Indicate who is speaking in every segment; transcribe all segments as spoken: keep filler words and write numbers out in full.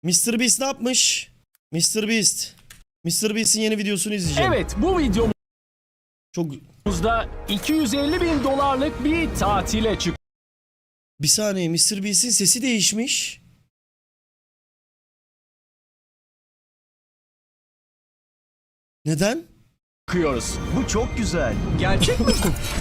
Speaker 1: mister Beast ne yapmış? mister Beast. mister Beast'in yeni videosunu izleyeceğim.
Speaker 2: Evet, bu videomuzda
Speaker 1: Çok...
Speaker 2: iki yüz elli bin dolarlık bir tatile
Speaker 1: Bir saniye, mister Beast'in sesi değişmiş. Neden?
Speaker 2: çıkıyoruz.
Speaker 3: Bu çok güzel.
Speaker 4: Gerçek mi?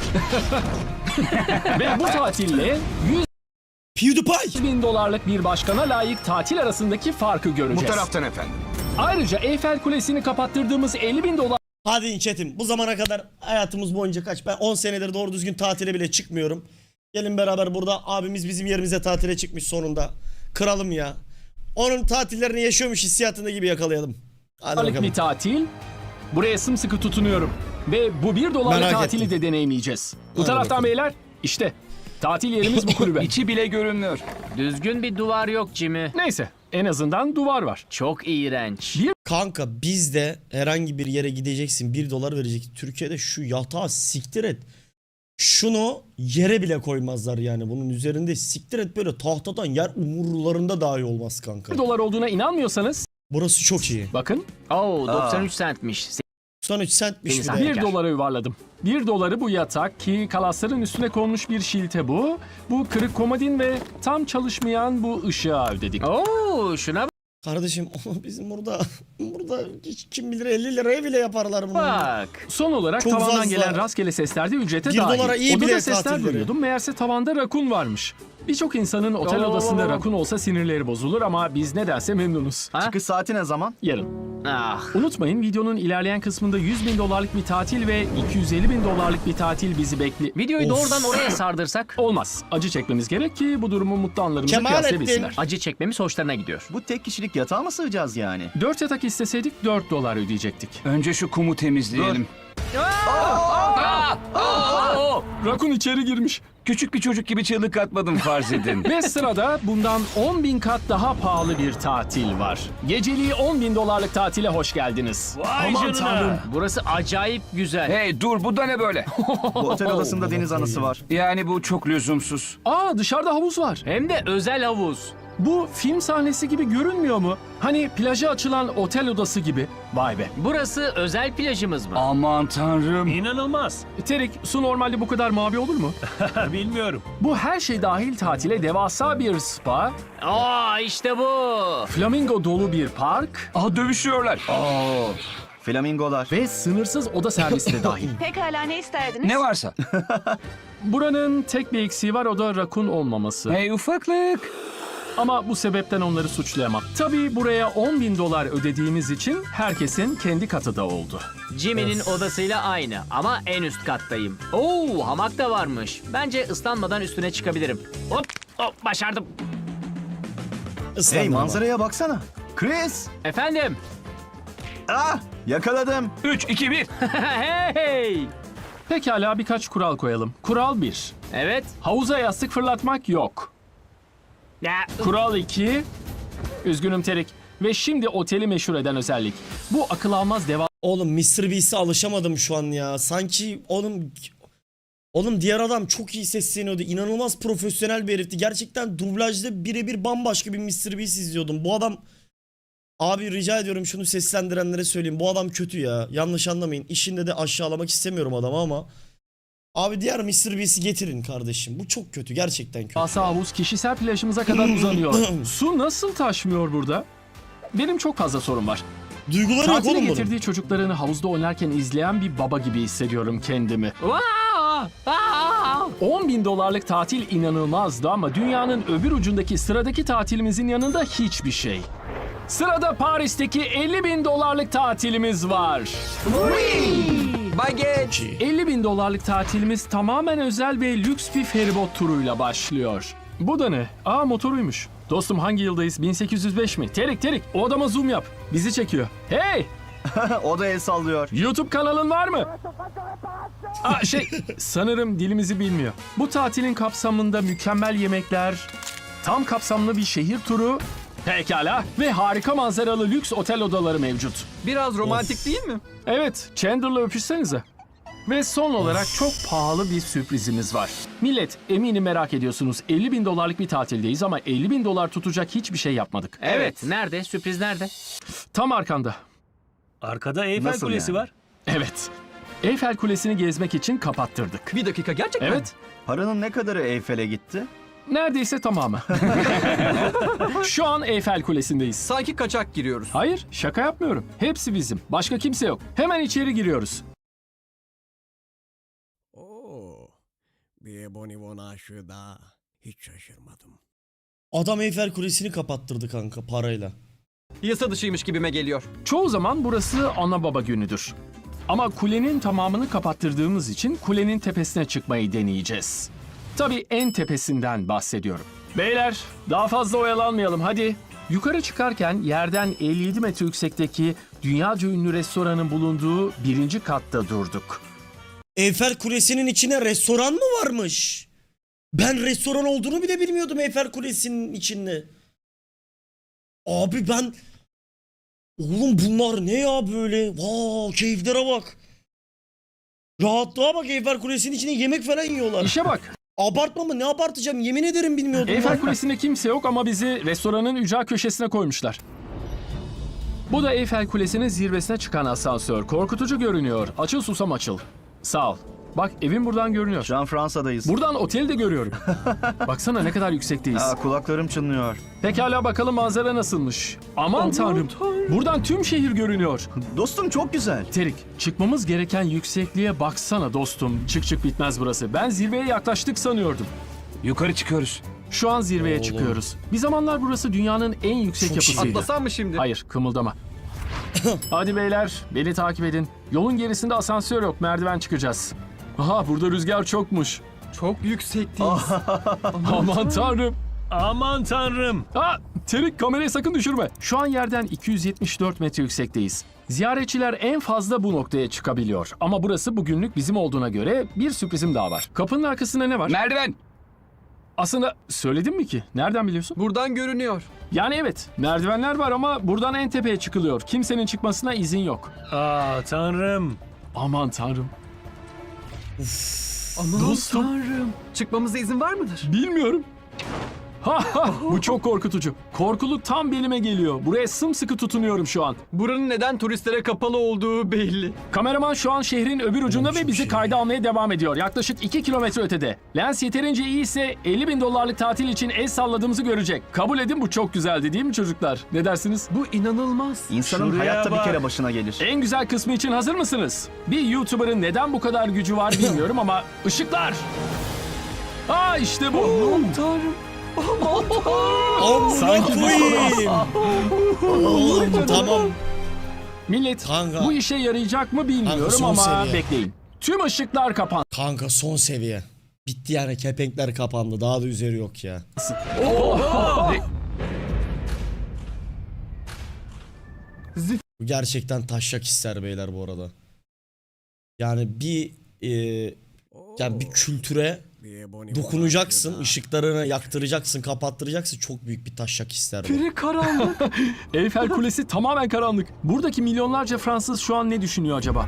Speaker 2: Ve bu tatille
Speaker 1: PewDiePie!
Speaker 2: yüz bin dolarlık bir başkana layık tatil arasındaki farkı
Speaker 4: Bu
Speaker 2: göreceğiz.
Speaker 4: taraftan efendim.
Speaker 2: Ayrıca Eyfel Kulesi'ni kapattırdığımız elli bin dolar
Speaker 1: Hadi in chatim. Bu zamana kadar hayatımız boyunca kaç? Ben on senedir doğru düzgün tatile bile çıkmıyorum. Gelin beraber burada abimiz bizim yerimize tatile çıkmış sonunda. Kralım ya. Onun tatillerini yaşıyormuş hissiyatında gibi yakalayalım. Hadi
Speaker 2: dolarlık
Speaker 1: bakalım.
Speaker 2: bir tatil. Buraya sımsıkı tutunuyorum. Ve bu bir dolarlık
Speaker 1: Merak
Speaker 2: tatili
Speaker 1: ettim.
Speaker 2: de deneyimleyeceğiz. Bu
Speaker 1: Hadi
Speaker 2: taraftan
Speaker 1: bakalım.
Speaker 2: beyler işte tatil yerimiz bu kulübe.
Speaker 5: İçi bile görünmüyor.
Speaker 6: Düzgün bir duvar yok Jimmy.
Speaker 2: Neyse en azından duvar var.
Speaker 6: Çok iğrenç.
Speaker 1: Kanka bizde herhangi bir yere gideceksin, bir dolar verecek. Türkiye'de şu yatağı siktir et. Şunu yere bile koymazlar yani. Bunun üzerinde siktir et, böyle tahtadan yer umurlarında dahi olmaz kanka.
Speaker 2: bir dolar olduğuna inanmıyorsanız
Speaker 1: Burası çok iyi.
Speaker 2: bakın
Speaker 6: Oo doksan üç centmiş.
Speaker 1: doksan üç centmiş bir
Speaker 6: Deniz
Speaker 1: de.
Speaker 6: abi.
Speaker 2: bir
Speaker 6: Teker.
Speaker 2: dolara yuvarladım. bir doları bu yatak ki kalasların üstüne konmuş bir şilte bu. Bu kırık komodin ve tam çalışmayan bu ışığa ödedik.
Speaker 6: Oo şuna
Speaker 1: Kardeşim bizim burada burada hiç kim bilir elli liraya bile yaparlar bunu.
Speaker 6: bak.
Speaker 2: Son olarak
Speaker 1: Çok
Speaker 2: tavandan
Speaker 1: fazla.
Speaker 2: gelen rastgele sesler de ücrete
Speaker 1: Bir
Speaker 2: dahil.
Speaker 1: dolara iyi
Speaker 2: Odada
Speaker 1: bile
Speaker 2: sesler
Speaker 1: tatilleri.
Speaker 2: duyuyordum. Meğerse tavanda rakun varmış. Birçok insanın otel
Speaker 6: Oo.
Speaker 2: odasında rakun olsa sinirleri bozulur ama biz nedense memnunuz.
Speaker 6: Ha?
Speaker 3: Çıkış saati ne zaman?
Speaker 2: Yarın.
Speaker 6: Ah.
Speaker 2: Unutmayın videonun ilerleyen kısmında yüz bin dolarlık bir tatil ve iki yüz elli bin dolarlık bir tatil bizi bekliyor.
Speaker 6: Videoyu
Speaker 1: Of.
Speaker 6: doğrudan oraya sardırsak
Speaker 2: Olmaz. Acı çekmemiz gerek ki bu durumu mutlu anlarımıza
Speaker 1: Kemalettin.
Speaker 2: kıyaslayabilsinler.
Speaker 6: acı çekmemiz hoşlarına gidiyor.
Speaker 3: Bu tek kişilik yatağa mı sığacağız yani?
Speaker 2: dört yatak isteseydik dört dolar ödeyecektik.
Speaker 5: Önce şu kumu temizleyelim.
Speaker 2: Rakun içeri girmiş.
Speaker 5: Küçük bir çocuk gibi çığlık atmadım farz edin.
Speaker 2: Ve sırada bundan on bin kat daha pahalı bir tatil var. Geceliği on bin dolarlık tatile hoş geldiniz. Aman tanrım.
Speaker 6: Burası acayip güzel.
Speaker 5: Hey dur bu da ne böyle?
Speaker 3: Bu otel odasında deniz anası var.
Speaker 5: Yani bu çok lüzumsuz.
Speaker 2: Aa dışarıda havuz var.
Speaker 6: Hem de özel havuz.
Speaker 2: Bu film sahnesi gibi görünmüyor mu? Hani plaja açılan otel odası gibi. Vay be.
Speaker 6: Burası özel plajımız mı?
Speaker 5: Aman tanrım.
Speaker 7: İnanılmaz.
Speaker 2: Terik, su normalde bu kadar mavi olur mu?
Speaker 7: Bilmiyorum.
Speaker 2: Bu her şey dahil tatile devasa bir spa,
Speaker 6: Aa işte bu.
Speaker 2: flamingo dolu bir park
Speaker 5: Aa dövüşüyorlar.
Speaker 3: Flamingolar.
Speaker 2: ve sınırsız oda servisi de dahil.
Speaker 8: Pekala ne isterdiniz?
Speaker 5: Ne varsa.
Speaker 2: Buranın tek bir eksiği var, o da rakun olmaması.
Speaker 5: Hey ufaklık.
Speaker 2: Ama bu sebepten onları suçlayamam. Tabii buraya on bin dolar ödediğimiz için herkesin kendi katı da oldu.
Speaker 6: Jimmy'nin odasıyla aynı ama en üst kattayım. Oo hamak da varmış. Bence ıslanmadan üstüne çıkabilirim. Hop hop başardım.
Speaker 1: Islandım
Speaker 3: Hey
Speaker 1: ama.
Speaker 3: manzaraya baksana. Chris!
Speaker 6: Efendim.
Speaker 3: Ah! Yakaladım.
Speaker 5: üç, iki, bir.
Speaker 6: Hey.
Speaker 2: Pekala birkaç kural koyalım. Kural bir.
Speaker 6: Evet.
Speaker 2: Havuza yastık fırlatmak yok.
Speaker 6: Ya,
Speaker 2: Kural iki. Üzgünüm Terik. Ve şimdi oteli meşhur eden özellik. Bu akıl almaz devasa
Speaker 1: Oğlum mister Beast'e alışamadım şu an ya. Sanki oğlum oğlum diğer adam çok iyi sesleniyordu. İnanılmaz profesyonel bir herifti. Gerçekten dublajda birebir bambaşka bir mister Beast izliyordum. Bu adam abi rica ediyorum şunu seslendirenlere söyleyeyim. Bu adam kötü ya. Yanlış anlamayın. İşinde de aşağılamak istemiyorum adamı ama abi diğer mister Beast'i getirin kardeşim. Bu çok kötü. Gerçekten kötü.
Speaker 2: havuz kişisel plajımıza kadar uzanıyor. Su nasıl taşmıyor burada? Benim çok fazla sorun var.
Speaker 1: Duyguları yok
Speaker 2: Tatile
Speaker 1: oğlum bunun.
Speaker 2: getirdiği çocuklarını havuzda oynarken izleyen bir baba gibi hissediyorum kendimi.
Speaker 6: Aa, aa.
Speaker 2: on bin dolarlık tatil inanılmazdı ama dünyanın öbür ucundaki sıradaki tatilimizin yanında hiçbir şey. Sırada Paris'teki elli bin dolarlık tatilimiz var.
Speaker 5: Baget.
Speaker 2: elli bin dolarlık tatilimiz tamamen özel ve lüks bir feribot turuyla başlıyor. Bu da ne? Aa motoruymuş. Dostum hangi yıldayız? bin sekiz yüz beş mi? Terik Terik o adama zoom yap. Bizi çekiyor. Hey!
Speaker 3: O da el sallıyor.
Speaker 2: YouTube kanalın var mı? Aa, şey sanırım dilimizi bilmiyor. Bu tatilin kapsamında mükemmel yemekler, tam kapsamlı bir şehir turu, pekala ve harika manzaralı lüks otel odaları mevcut.
Speaker 4: Biraz romantik değil mi?
Speaker 2: Evet, Chandler'la öpüşsenize. Ve son olarak çok pahalı bir sürprizimiz var. Millet, eminim merak ediyorsunuz. elli bin dolarlık bir tatildeyiz ama elli bin dolar tutacak hiçbir şey yapmadık.
Speaker 6: Evet. Nerede? Sürpriz nerede?
Speaker 2: Tam arkanda.
Speaker 4: Arkada Eyfel
Speaker 3: Nasıl
Speaker 4: Kulesi
Speaker 3: yani?
Speaker 4: var.
Speaker 2: Evet. Eyfel Kulesi'ni gezmek için kapattırdık.
Speaker 4: Bir dakika gerçekten.
Speaker 2: Evet.
Speaker 3: Paranın ne kadarı Eyfel'e gitti?
Speaker 2: Neredeyse tamamı. Şu an Eyfel Kulesi'ndeyiz.
Speaker 4: Sanki kaçak giriyoruz.
Speaker 2: Hayır, şaka yapmıyorum. Hepsi bizim. Başka kimse yok. Hemen içeri giriyoruz.
Speaker 7: Oo, bir bonibon aşığı daha. Hiç şaşırmadım.
Speaker 1: Adam Eyfel Kulesi'ni kapattırdı kanka parayla.
Speaker 4: Yasa dışıymış gibime geliyor.
Speaker 2: Çoğu zaman burası ana baba günüdür. Ama kulenin tamamını kapattırdığımız için kulenin tepesine çıkmayı deneyeceğiz. Tabii en tepesinden bahsediyorum. Beyler, daha fazla oyalanmayalım hadi. Yukarı çıkarken yerden elli yedi metre yüksekteki dünyaca ünlü restoranın bulunduğu birinci katta durduk.
Speaker 1: Eyfel Kulesi'nin içine restoran mı varmış? Ben restoran olduğunu bile bilmiyordum Eyfel Kulesi'nin içinde. Abi ben... Oğlum bunlar ne ya böyle? Vaa keyiflere bak. Rahatlığa bak, Eyfel Kulesi'nin içinde yemek falan yiyorlar.
Speaker 2: İşe bak.
Speaker 1: Abartma mı? Ne abartacağım? Yemin ederim bilmiyordum.
Speaker 2: Eyfel
Speaker 1: lan.
Speaker 2: Kulesi'nde kimse yok ama bizi restoranın ücra köşesine koymuşlar. Bu da Eyfel Kulesi'nin zirvesine çıkan asansör. Korkutucu görünüyor. Açıl susam açıl. Sağ ol. Bak evim buradan görünüyor.
Speaker 3: Şu an Fransa'dayız.
Speaker 2: Buradan oteli de görüyorum. Baksana ne kadar yüksekteyiz.
Speaker 3: Aa, kulaklarım çınlıyor.
Speaker 2: Pekala bakalım manzara nasılmış. Aman, tanrım. Buradan tüm şehir görünüyor.
Speaker 3: Dostum çok güzel.
Speaker 2: Terik, çıkmamız gereken yüksekliğe baksana dostum. Çık çık bitmez burası. Ben zirveye yaklaştık sanıyordum.
Speaker 5: Yukarı çıkıyoruz.
Speaker 2: Şu an zirveye
Speaker 1: Oğlum.
Speaker 2: çıkıyoruz. Bir zamanlar burası dünyanın en yüksek
Speaker 1: Çok
Speaker 2: yapısıydı.
Speaker 4: Atlasam mı şimdi?
Speaker 2: Hayır, kımıldama. Hadi beyler, beni takip edin. Yolun gerisinde asansör yok, merdiven çıkacağız. Aha, burada rüzgar çokmuş.
Speaker 4: Çok yüksekteyiz.
Speaker 2: Aman tanrım.
Speaker 4: Aman tanrım.
Speaker 2: Ha, Terik kamerayı sakın düşürme. Şu an yerden iki yüz yetmiş dört metre yüksekteyiz. Ziyaretçiler en fazla bu noktaya çıkabiliyor. Ama burası bugünlük bizim olduğuna göre bir sürprizim daha var. Kapının arkasında ne var?
Speaker 5: Merdiven.
Speaker 2: Aslında söyledim mi ki? Nereden biliyorsun?
Speaker 4: Buradan görünüyor.
Speaker 2: Yani evet, merdivenler var ama buradan en tepeye çıkılıyor. Kimsenin çıkmasına izin yok.
Speaker 4: Aa tanrım.
Speaker 2: Aman tanrım.
Speaker 4: Aman
Speaker 2: Dostum.
Speaker 4: tanrım. Çıkmamıza izin var mıdır?
Speaker 2: Bilmiyorum. Ha ha, bu çok korkutucu. Korkuluk tam belime geliyor. Buraya sımsıkı tutunuyorum şu an.
Speaker 4: Buranın neden turistlere kapalı olduğu belli.
Speaker 2: Kameraman şu an şehrin öbür ucunda
Speaker 1: Oğlum
Speaker 2: ve
Speaker 1: çok
Speaker 2: bizi
Speaker 1: iyi.
Speaker 2: kayda almaya devam ediyor. Yaklaşık iki kilometre ötede. Lens yeterince iyiyse elli bin dolarlık tatil için el salladığımızı görecek. Kabul edin, bu çok güzeldi değil mi çocuklar? Ne dersiniz?
Speaker 4: Bu inanılmaz.
Speaker 3: İnsanın
Speaker 4: Şuraya
Speaker 3: hayatta
Speaker 4: bak.
Speaker 3: bir kere başına gelir.
Speaker 2: En güzel kısmı için hazır mısınız? Bir YouTuber'ın neden bu kadar gücü var bilmiyorum ama ışıklar. Aa işte bu.
Speaker 4: Aman tanrım. Aman tanrım.
Speaker 1: Amına
Speaker 2: Sanki
Speaker 1: koyayım. Oğlum tamam.
Speaker 2: Millet,
Speaker 1: Kanka.
Speaker 2: bu işe yarayacak mı bilmiyorum
Speaker 1: Kanka, son
Speaker 2: ama
Speaker 1: seviye.
Speaker 2: bekleyin. Tüm ışıklar kapansın.
Speaker 1: Kanka son seviye. Bitti yani, kepenkler kapandı. Daha da üzeri yok ya. Bu gerçekten taşak ister beyler bu arada. Yani bir e, yani bir kültüre
Speaker 7: Bir bonibon
Speaker 1: dokunacaksın,
Speaker 7: aşığı daha.
Speaker 1: ışıklarını yaktıracaksın, kapattıracaksın. Çok büyük bir taşak ister bu.
Speaker 4: Biri karanlık.
Speaker 2: Eyfel Kulesi tamamen karanlık. Buradaki milyonlarca Fransız şu an ne düşünüyor acaba?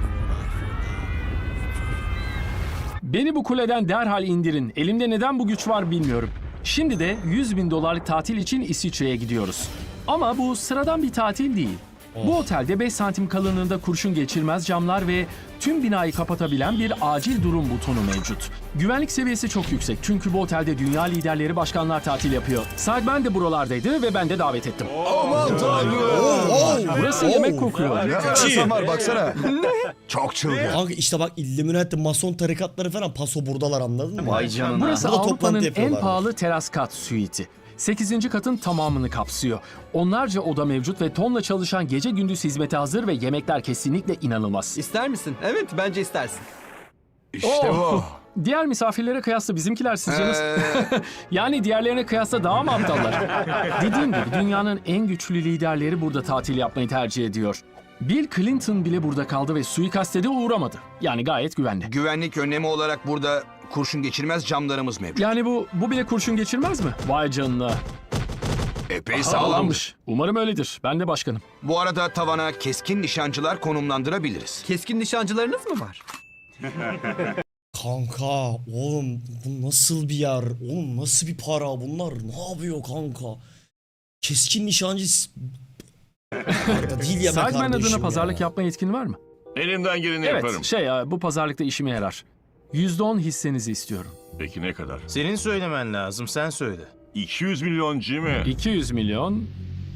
Speaker 2: Beni bu kuleden derhal indirin. Elimde neden bu güç var bilmiyorum. Şimdi de yüz bin dolarlık tatil için İsviçre'ye gidiyoruz. Ama bu sıradan bir tatil değil. Bu otelde beş santim kalınlığında kurşun geçirmez camlar ve tüm binayı kapatabilen bir acil durum butonu mevcut. Güvenlik seviyesi çok yüksek çünkü bu otelde dünya liderleri, başkanlar tatil yapıyor. Sahiben de buralardaydı ve ben de davet ettim.
Speaker 8: Aman tanrım.
Speaker 2: Burası
Speaker 1: Oo.
Speaker 2: yemek kokuyor.
Speaker 8: Ne kadar insan var baksana. Çok çılgın.
Speaker 1: Kanka işte bak, Illuminati, Mason tarikatları falan paso buradalar, anladın mı?
Speaker 3: Vay canına.
Speaker 2: Burası
Speaker 1: Burada toplantı
Speaker 2: Avrupa'nın en
Speaker 1: yapıyorlar.
Speaker 2: pahalı teras kat suiti. sekizinci katın tamamını kapsıyor. Onlarca oda mevcut ve tonla çalışan gece gündüz hizmete hazır ve yemekler kesinlikle inanılmaz.
Speaker 4: İster misin? Evet bence istersin.
Speaker 8: İşte
Speaker 2: Oh!
Speaker 8: bu.
Speaker 2: Diğer misafirlere kıyasla bizimkiler sizce nasıl?
Speaker 8: Ee,
Speaker 2: Yani diğerlerine kıyasla daha mı aptallar? Dediğim gibi dünyanın en güçlü liderleri burada tatil yapmayı tercih ediyor. Bill Clinton bile burada kaldı ve suikaste de uğramadı. Yani gayet güvenli.
Speaker 9: Güvenlik önlemi olarak burada kurşun geçirmez camlarımız mevcut.
Speaker 2: Yani bu bu bile kurşun geçirmez mi? Vay canına.
Speaker 9: Epey sağlammış.
Speaker 2: Sağlammış. Umarım öyledir. Ben de başkanım.
Speaker 9: Bu arada tavana keskin nişancılar konumlandırabiliriz.
Speaker 4: Keskin nişancılarınız mı var?
Speaker 1: Kanka oğlum bu nasıl bir yer? Oğlum nasıl bir para? Bunlar ne yapıyor kanka? Keskin nişancı s- Arda değil ya be
Speaker 2: Sideman
Speaker 1: kardeşim
Speaker 2: adına pazarlık
Speaker 1: ya.
Speaker 2: yapma yetkin var mı?
Speaker 8: Elimden geleni
Speaker 2: Evet,
Speaker 8: yaparım.
Speaker 2: şey ya, bu pazarlıkta işime yarar. yüzde on hissenizi istiyorum.
Speaker 8: Peki ne kadar?
Speaker 10: Senin söylemen lazım, sen söyle.
Speaker 8: iki yüz milyon Jimmy.
Speaker 2: iki yüz milyon.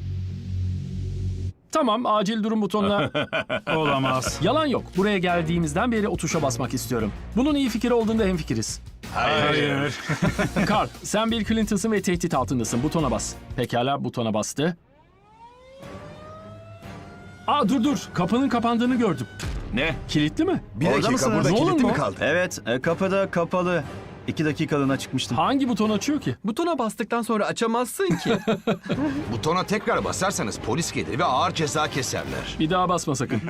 Speaker 2: Tamam, acil durum butonuna.
Speaker 10: Olamaz.
Speaker 2: Yalan yok. Buraya geldiğimizden beri o tuşa basmak istiyorum. Bunun iyi fikir olduğunda hemfikiriz.
Speaker 10: Hayır.
Speaker 2: Carl, sen Bill Clinton'sın ve tehdit altındasın. Butona bas. Pekala, butona bastı. Aa dur dur, kapının kapandığını gördüm.
Speaker 8: Ne?
Speaker 2: Kilitli mi?
Speaker 3: Bir
Speaker 10: Orada
Speaker 3: dakika
Speaker 10: mısınız?
Speaker 3: burada
Speaker 2: Ne olur
Speaker 3: kilitli
Speaker 2: mu?
Speaker 3: mi kaldı? Evet e, kapıda kapalı. İki dakikalığına çıkmıştım.
Speaker 2: Hangi buton açıyor ki?
Speaker 4: Butona bastıktan sonra açamazsın ki.
Speaker 9: Butona tekrar basarsanız polis gelir ve ağır ceza keserler.
Speaker 2: Bir daha basma sakın.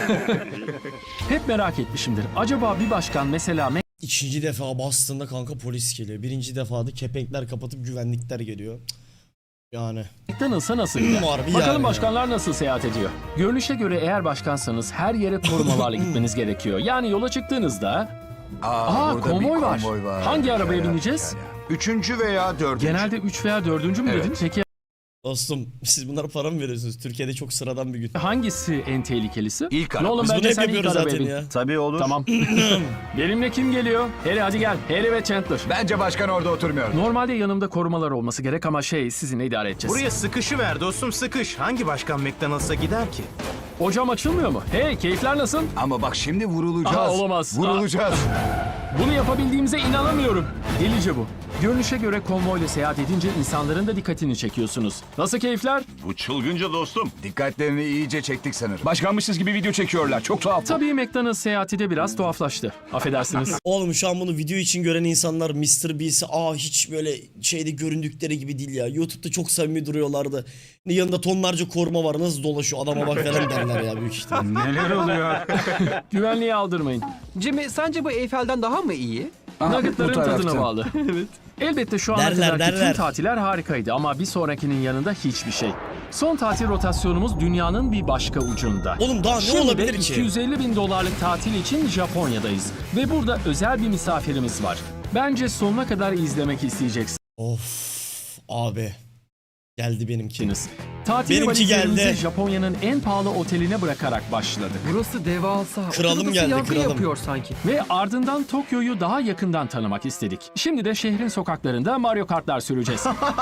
Speaker 2: Hep merak etmişimdir. Acaba bir başkan mesela
Speaker 1: İkinci defa bastığında kanka polis geliyor. Birinci defada kepenkler kapatıp güvenlikler geliyor. Cık. Yani.
Speaker 2: McDonald's'a nasıl gider?
Speaker 1: Harbi
Speaker 2: Bakalım
Speaker 1: yani
Speaker 2: başkanlar nasıl seyahat ediyor? Görünüşe göre eğer başkansanız her yere korumalarla gitmeniz gerekiyor. Yani yola çıktığınızda... Aa,
Speaker 8: burada
Speaker 2: konvoy,
Speaker 8: bir
Speaker 2: var.
Speaker 8: konvoy var.
Speaker 2: Hangi
Speaker 8: Ya,
Speaker 2: arabaya
Speaker 8: ya,
Speaker 2: bineceğiz?
Speaker 8: ya, ya.
Speaker 9: Üçüncü veya dördüncü.
Speaker 2: Genelde üç veya dördüncü mü
Speaker 9: Evet.
Speaker 2: dedin? Peki
Speaker 1: Dostum siz bunlara para mı veriyorsunuz? Türkiye'de çok sıradan bir gün.
Speaker 2: hangisi en tehlikelisi?
Speaker 9: İlk
Speaker 2: Ne
Speaker 9: araba.
Speaker 2: oğlum
Speaker 1: Biz bunu
Speaker 2: bence
Speaker 1: hep
Speaker 2: sen ilk
Speaker 1: yapıyoruz
Speaker 2: arabaya
Speaker 1: zaten
Speaker 2: bin.
Speaker 1: ya.
Speaker 3: Tabii olur.
Speaker 2: Tamam. Benimle kim geliyor? Harry hadi gel. Harry ve Chandler.
Speaker 8: Bence başkan orada oturmuyor.
Speaker 2: Normalde yanımda korumalar olması gerek ama şey sizinle idare edeceğiz.
Speaker 10: Buraya sıkışı ver dostum, sıkış. Hangi başkan McDonald's'a gider ki?
Speaker 2: O cam açılmıyor mu? Hey keyifler nasıl?
Speaker 8: Ama bak şimdi vurulacağız.
Speaker 2: Aha, olamaz.
Speaker 8: Vurulacağız.
Speaker 2: Bunu yapabildiğimize inanamıyorum. Delice bu. Görünüşe göre konvoyla seyahat edince insanların da dikkatini çekiyorsunuz. Nasıl keyifler?
Speaker 8: Bu çılgınca dostum. Dikkatlerini iyice çektik sanırım. Başkanmışız gibi video çekiyorlar. Çok tuhaf.
Speaker 2: Tabii McDonald's seyahati de biraz tuhaflaştı. Affedersiniz.
Speaker 1: Oğlum şu an bunu video için gören insanlar mister Beast'i aa hiç böyle şeyde göründükleri gibi değil ya. YouTube'da çok samimi duruyorlardı. Yanında tonlarca koruma var nasıl dolaşıyor adama bak falan derler ya büyük ihtimal.
Speaker 10: Neler oluyor?
Speaker 2: Güvenliği aldırmayın.
Speaker 4: Jimmy sence bu Eyfel'den daha mı iyi?
Speaker 2: Nuggetların
Speaker 8: bu tarafta.
Speaker 2: tadına bağlı. Evet. Elbette şu ana
Speaker 1: Derler,
Speaker 2: kadarki tüm
Speaker 1: derler.
Speaker 2: tatiller harikaydı ama bir sonrakinin yanında hiçbir şey. Son tatil rotasyonumuz dünyanın bir başka ucunda.
Speaker 1: Oğlum daha ne
Speaker 2: Şimdi
Speaker 1: olabilir
Speaker 2: de
Speaker 1: ki?
Speaker 2: iki yüz elli bin dolarlık tatil için Japonya'dayız. Ve burada özel bir misafirimiz var. Bence sonuna kadar izlemek isteyeceksiniz.
Speaker 1: Of abi. Geldi benimki.
Speaker 2: Tatil
Speaker 1: Benimki
Speaker 2: valizlerimizi
Speaker 1: geldi.
Speaker 2: Japonya'nın en pahalı oteline bırakarak başladık.
Speaker 4: Burası devasa.
Speaker 1: Kralım
Speaker 4: Otel odası
Speaker 1: geldi,
Speaker 4: yankı
Speaker 1: kralım.
Speaker 4: yapıyor sanki.
Speaker 2: Ve ardından Tokyo'yu daha yakından tanımak istedik. Şimdi de şehrin sokaklarında Mario Kartlar süreceğiz.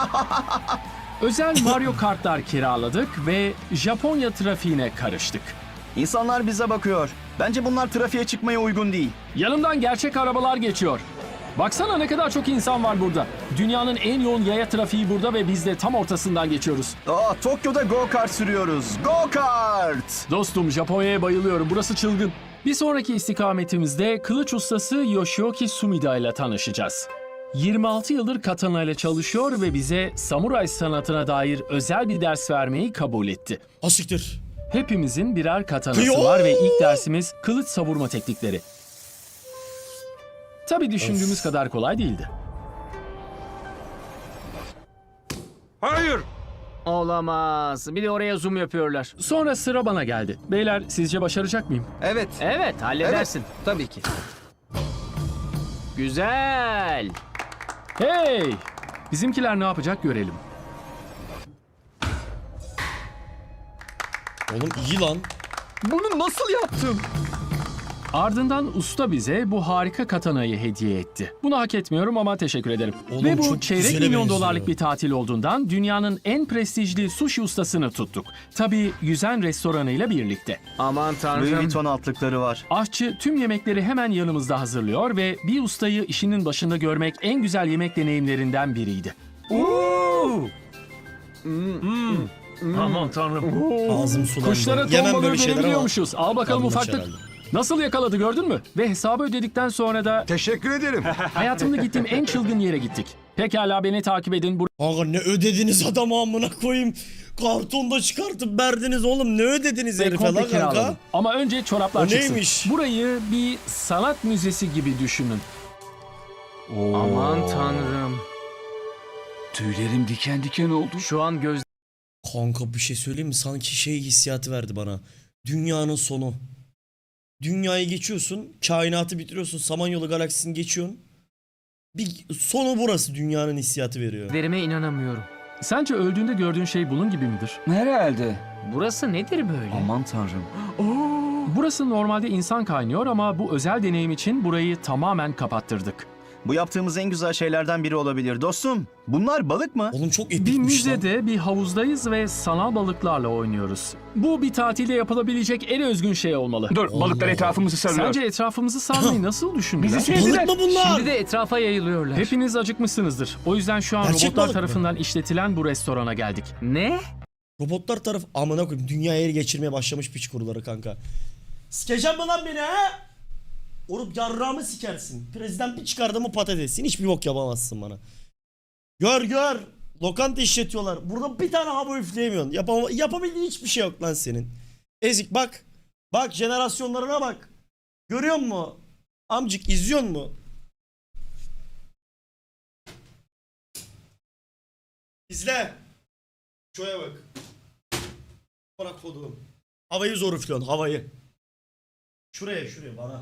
Speaker 2: Özel Mario Kartlar kiraladık ve Japonya trafiğine karıştık.
Speaker 3: İnsanlar bize bakıyor. Bence bunlar trafiğe çıkmaya uygun değil.
Speaker 2: Yanımdan gerçek arabalar geçiyor. Baksana ne kadar çok insan var burada. Dünyanın en yoğun yaya trafiği burada ve biz de tam ortasından geçiyoruz.
Speaker 3: Aa, Tokyo'da go-kart sürüyoruz. Go-kart!
Speaker 2: Dostum Japonya'ya bayılıyorum. Burası çılgın. Bir sonraki istikametimizde kılıç ustası Yoshioki Sumida ile tanışacağız. yirmi altı yıldır katana ile çalışıyor ve bize samuray sanatına dair özel bir ders vermeyi kabul etti.
Speaker 1: Asiktir.
Speaker 2: Hepimizin birer katanası
Speaker 1: Kıyoo!
Speaker 2: var ve ilk dersimiz kılıç savurma teknikleri. Tabii düşündüğümüz kadar kolay değildi.
Speaker 5: Hayır.
Speaker 6: Olamaz. Bir de oraya zoom yapıyorlar.
Speaker 2: Sonra sıra bana geldi. Beyler sizce başaracak mıyım?
Speaker 4: Evet.
Speaker 6: Evet, halledersin.
Speaker 4: Tabii ki.
Speaker 6: Güzel.
Speaker 2: Hey! Bizimkiler ne yapacak görelim.
Speaker 1: Oğlum iyi lan.
Speaker 4: Bunu nasıl yaptın?
Speaker 2: Ardından usta bize bu harika katanayı hediye etti. Bunu hak etmiyorum ama teşekkür ederim.
Speaker 1: Oğlum
Speaker 2: Ve bu
Speaker 1: çok
Speaker 2: çeyrek
Speaker 1: güzele
Speaker 2: milyon
Speaker 1: benziyor.
Speaker 2: dolarlık bir tatil olduğundan dünyanın en prestijli sushi ustasını tuttuk. Tabii yüzen restoranıyla birlikte.
Speaker 6: Aman
Speaker 3: Louis
Speaker 6: tanrım.
Speaker 3: Vuitton altlıkları var.
Speaker 2: Aşçı tüm yemekleri hemen yanımızda hazırlıyor ve bir ustayı işinin başında görmek en güzel yemek deneyimlerinden biriydi. Aman tanrım.
Speaker 1: Ağzım sulandı.
Speaker 2: Kuşlara ton
Speaker 1: Yemem
Speaker 2: balığı
Speaker 1: böyle şeyler ama
Speaker 2: verebiliyormuşuz. Al bakalım
Speaker 1: Yanlış
Speaker 2: ufaklık.
Speaker 1: herhalde.
Speaker 2: Nasıl yakaladı gördün mü? Ve hesabı ödedikten sonra da
Speaker 8: Teşekkür ederim.
Speaker 2: hayatımda gittiğim en çılgın yere gittik. Pekala beni takip edin.
Speaker 1: Kanka ne ödediniz adamı amına koyayım. Kartonda çıkartıp verdiniz oğlum. Ne ödediniz
Speaker 2: Burayı
Speaker 1: herife
Speaker 2: komple
Speaker 1: lan kanka?
Speaker 2: kiraladım. Ama önce çoraplar
Speaker 1: O
Speaker 2: çıksın.
Speaker 1: neymiş?
Speaker 2: Burayı bir sanat müzesi gibi düşünün.
Speaker 6: Aman tanrım.
Speaker 5: Tüylerim diken diken oldu.
Speaker 6: Şu an göz
Speaker 1: Kanka bir şey söyleyeyim mi? Sanki şey hissiyatı verdi bana. Dünyanın sonu. Dünyayı geçiyorsun, kainatı bitiriyorsun, Samanyolu galaksisini geçiyorsun. Bir sonu burası dünyanın hissiyatı veriyor.
Speaker 6: Verime inanamıyorum.
Speaker 2: Sence öldüğünde gördüğün şey bunun gibi midir?
Speaker 8: Herhalde.
Speaker 6: Burası nedir böyle?
Speaker 8: Aman tanrım.
Speaker 2: Burası normalde insan kaynıyor ama bu özel deneyim için burayı tamamen kapattırdık.
Speaker 3: Bu yaptığımız en güzel şeylerden biri olabilir. Dostum, bunlar balık mı?
Speaker 1: Oğlum çok
Speaker 2: Bir
Speaker 1: epikmiş lan.
Speaker 2: müzede, bir havuzdayız ve sanal balıklarla oynuyoruz. Bu bir tatilde yapılabilecek en özgün şey olmalı.
Speaker 8: Dur, balıklar etrafımızı sarıyor.
Speaker 2: Sence etrafımızı sarmayı nasıl düşündüler?
Speaker 8: Bizi sevdiler.
Speaker 1: Balık mı bunlar?
Speaker 6: Şimdi de etrafa yayılıyorlar.
Speaker 2: Hepiniz acıkmışsınızdır. O yüzden şu an
Speaker 1: Gerçek
Speaker 2: robotlar
Speaker 1: balık mı?
Speaker 2: tarafından işletilen bu restorana geldik.
Speaker 6: Ne?
Speaker 1: Robotlar taraf amına koyayım dünyaya ele geçirmeye başlamış piç kuruları kanka. Sikeceğim mi lan beni ha? Orup yarrağımı sikersin. Prezident bir çıkardı mı patatesin. Hiçbir bok yapamazsın bana. Gör gör. Lokanta işletiyorlar. Burada bir tane hava üfleyemiyorsun. Yapama yapabildiğin hiçbir şey yok lan senin. Ezik bak. Bak jenerasyonlarına bak. Görüyor musun? Amcık izliyor mu? İzle. Şuraya bak. Bırak koduğum. Havayı zor üflüyorsun havayı. Şuraya şuraya bana.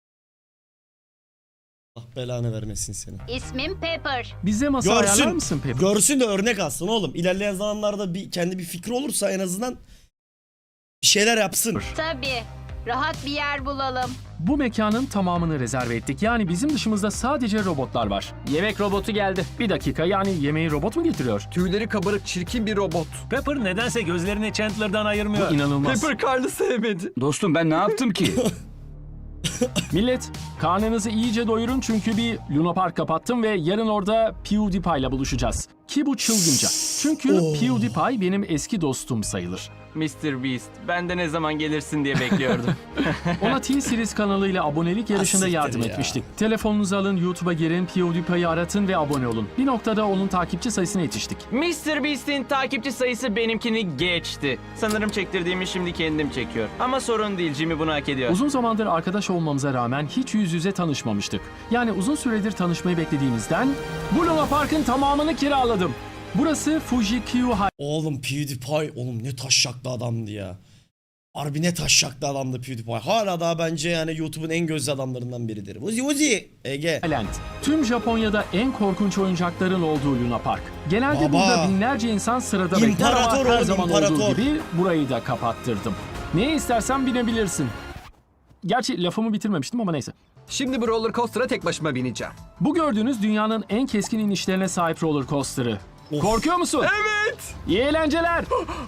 Speaker 1: Allah belanı vermesin seni.
Speaker 11: İsmim Pepper.
Speaker 2: Bize masa ayarlar
Speaker 1: Görsün.
Speaker 2: mısın Pepper?
Speaker 1: Görsün de örnek alsın oğlum. İlerleyen zamanlarda bir kendi bir fikri olursa en azından bir şeyler yapsın.
Speaker 11: Tabii. Rahat bir yer bulalım.
Speaker 2: Bu mekanın tamamını rezerve ettik. Yani bizim dışımızda sadece robotlar var.
Speaker 6: Yemek robotu geldi.
Speaker 2: Bir dakika, yani yemeği robot mu getiriyor?
Speaker 4: Tüyleri kabarık çirkin bir robot.
Speaker 10: Pepper nedense gözlerini Chandler'dan ayırmıyor.
Speaker 2: Bu inanılmaz.
Speaker 4: Pepper Carl'ı sevmedi.
Speaker 8: Dostum ben ne yaptım ki?
Speaker 2: Millet, karnınızı iyice doyurun çünkü bir Luna Park kapattım ve yarın orada PewDiePie ile buluşacağız. Ki bu çılgınca. Çünkü
Speaker 1: Oh.
Speaker 2: PewDiePie benim eski dostum sayılır.
Speaker 6: mister Beast, ben de ne zaman gelirsin diye bekliyordum.
Speaker 2: Ona T-Series kanalıyla abonelik yarışında
Speaker 1: Asiktir
Speaker 2: yardım
Speaker 1: ya.
Speaker 2: etmiştik. Telefonunuzu alın, YouTube'a girin, PewDiePie'yi aratın ve abone olun. Bir noktada onun takipçi sayısına yetiştik.
Speaker 6: mister Beast'in takipçi sayısı benimkini geçti. Sanırım çektirdiğimi şimdi kendim çekiyor. Ama sorun değil, Jimmy bunu hak ediyor.
Speaker 2: Uzun zamandır arkadaş olmamıza rağmen hiç yüz yüze tanışmamıştık. Yani uzun süredir tanışmayı beklediğimizden bu Luna Park'ın tamamını kiraladım. Burası Fuji Q High.
Speaker 1: Oğlum PewDiePie oğlum ne taşşaklı adamdı ya. Harbi ne taşşaklı adamdı PewDiePie. Hala daha bence yani YouTube'un en gözlü adamlarından biridir. Uzi Uzi. Ege.
Speaker 2: Land. Tüm Japonya'da en korkunç oyuncakların olduğu Luna Park. Genelde
Speaker 1: Baba.
Speaker 2: burada binlerce insan sırada bekler
Speaker 1: İmparator
Speaker 2: ama her
Speaker 1: oğlum,
Speaker 2: zaman
Speaker 1: imparator.
Speaker 2: olduğu gibi burayı da kapattırdım. Neye istersen binebilirsin. Gerçi lafımı bitirmemiştim ama neyse.
Speaker 4: Şimdi bu roller coaster'a tek başıma bineceğim.
Speaker 2: Bu gördüğünüz dünyanın en keskin inişlerine sahip roller coaster'ı.
Speaker 1: Of.
Speaker 2: Korkuyor musun? Evet. İyi eğlenceler.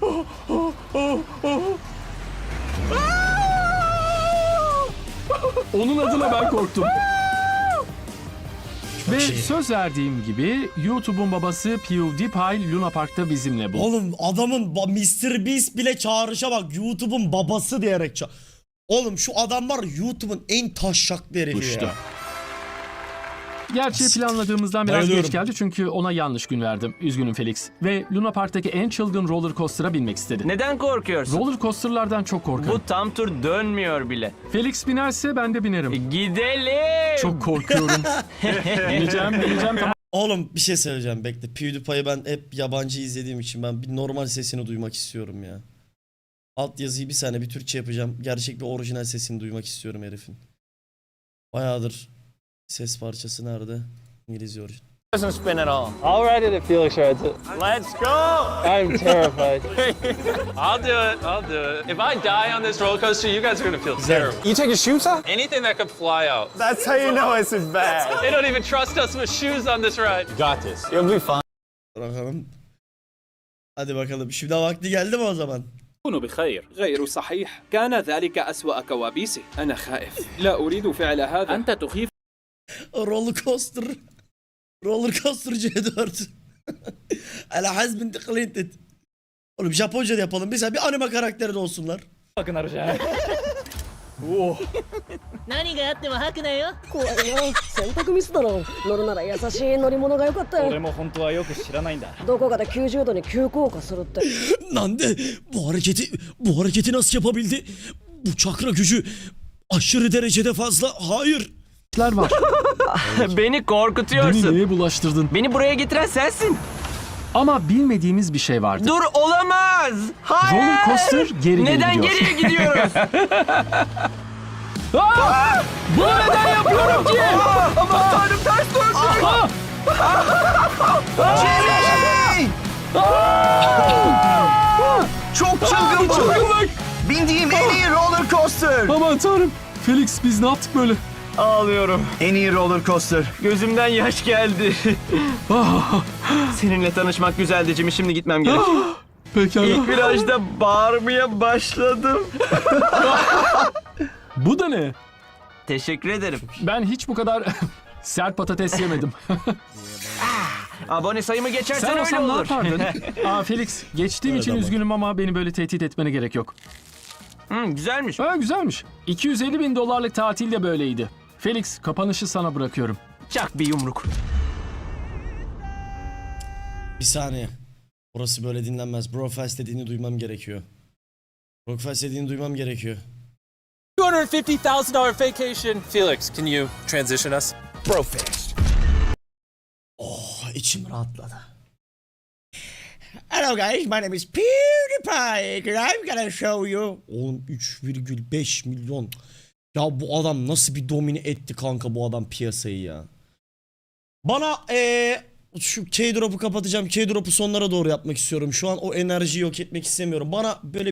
Speaker 2: Onun adına ben korktum. Ve
Speaker 1: şey.
Speaker 2: söz verdiğim gibi YouTube'un babası PewDiePie Luna Park'ta bizimle bu.
Speaker 1: Oğlum adamın ba- mister Beast bile çağrışa bak YouTube'un babası diyerek ça- Oğlum şu adam var YouTube'un en taşşaklı herifi
Speaker 2: İşte.
Speaker 1: ya.
Speaker 2: Gerçi planladığımızdan biraz
Speaker 1: Bayılıyorum.
Speaker 2: geç geldi çünkü ona yanlış gün verdim. Üzgünüm Felix. Ve Luna Park'taki en çılgın roller coaster'a binmek istedi.
Speaker 6: Neden korkuyorsun?
Speaker 2: Roller coaster'lardan çok korkarım.
Speaker 6: Bu tam tur dönmüyor bile.
Speaker 2: Felix binerse ben de binerim.
Speaker 6: Gidelim.
Speaker 2: Çok korkuyorum. bineceğim, bineceğim. Tamam.
Speaker 1: Oğlum bir şey söyleyeceğim bekle. PewDiePie'yi ben hep yabancı izlediğim için ben bir normal sesini duymak istiyorum ya. Alt yazıyı bir saniye bir Türkçe yapacağım. Gerçek bir orijinal sesini duymak istiyorum herifin. Bayağıdır ses parçası nerede? İngilizce orijinal.
Speaker 10: Doesn't spin at all.
Speaker 12: I'll ride it if Felix rides it.
Speaker 10: Let's go!
Speaker 12: I'm terrified. I'll do it. I'll do it. If I die on this roller coaster, you guys are gonna feel
Speaker 1: Güzel.
Speaker 12: terrible.
Speaker 10: You take your shoes off?
Speaker 12: Anything that could fly out.
Speaker 10: That's how you know it's bad.
Speaker 12: They don't even trust us with shoes on this ride.
Speaker 10: Got this. You'll be fine.
Speaker 1: Bakalım. Hadi bakalım. Şimdi vakti geldi mi o zaman?
Speaker 12: كونوا بخير. غير صحيح. كان ذلك أسوأ كوابيسي. أنا خائف. لا أريد فعل هذا. أنت تخيف.
Speaker 1: Roller coaster. Roller coaster C dört. Ala hazbin tıklintet. Oğlum Japonca da yapalım. Mesela bir anime karakteri de olsunlar.
Speaker 11: 何があっても吐くなよ。怖いよ。選択ミスだろ。乗るなら優しい乗り物が良かったよ。俺も本当はよく知らないんだ。どこかできゅうじゅうどに急降下するって。
Speaker 1: Nande bu hareketi bu hareketi nasıl yapabildi? Bu çakra gücü aşırı derecede fazla. Hayır.
Speaker 2: var.
Speaker 6: Beni
Speaker 2: Beni
Speaker 6: korkutuyorsun.
Speaker 2: neye bulaştırdın?
Speaker 6: Beni buraya getiren sensin.
Speaker 2: Ama bilmediğimiz bir şey vardı.
Speaker 6: Dur olamaz. Hayır.
Speaker 2: Roller coaster geri geri
Speaker 6: Neden
Speaker 2: gidiyor.
Speaker 6: geriye gidiyoruz?
Speaker 2: Aa! Bunu neden yapıyorum ki?
Speaker 3: Aman tanrım ters döndü. Jimmy! Çok çılgın bu.
Speaker 2: Çılgınlık.
Speaker 3: Bindiğim en iyi roller coaster.
Speaker 2: Aman tanrım. Felix biz ne yaptık böyle?
Speaker 3: Ağlıyorum. En iyi roller coaster.
Speaker 10: Gözümden yaş geldi.
Speaker 2: Ah,
Speaker 10: Seninle tanışmak güzeldi Jimmy. Şimdi gitmem gerek.
Speaker 2: ah. Pekala.
Speaker 10: İlk virajda bağırmaya başladım.
Speaker 2: Bu da ne?
Speaker 10: Teşekkür ederim.
Speaker 2: Ben hiç bu kadar sert patates yemedim.
Speaker 10: Abone sayımı geçersen
Speaker 2: Sen
Speaker 10: öyle
Speaker 2: olsan ne
Speaker 10: olur.
Speaker 2: yapardın? Aa Felix, geçtiğim için üzgünüm ama beni böyle tehdit etmene gerek yok.
Speaker 10: Hı, güzelmiş.
Speaker 2: Ha güzelmiş. iki yüz elli bin dolarlık tatil de böyleydi. Felix, kapanışı sana bırakıyorum.
Speaker 10: Çak bir yumruk.
Speaker 1: Bir saniye. Orası böyle dinlenmez. Brofest dediğini duymam gerekiyor. Brofest dediğini duymam gerekiyor.
Speaker 12: two hundred fifty thousand dollars vacation. Felix, can you transition us?
Speaker 7: Brofest.
Speaker 1: Oh, içim rahatladı. Hello guys, my name is PewDiePie and I'm gonna show you. Oğlum üç virgül beş milyon. Ya bu adam nasıl bir domine etti kanka bu adam piyasayı ya. Bana eee şu K-Drop'u kapatacağım. K-Drop'u sonlara doğru yapmak istiyorum. Şu an o enerjiyi yok etmek istemiyorum. Bana böyle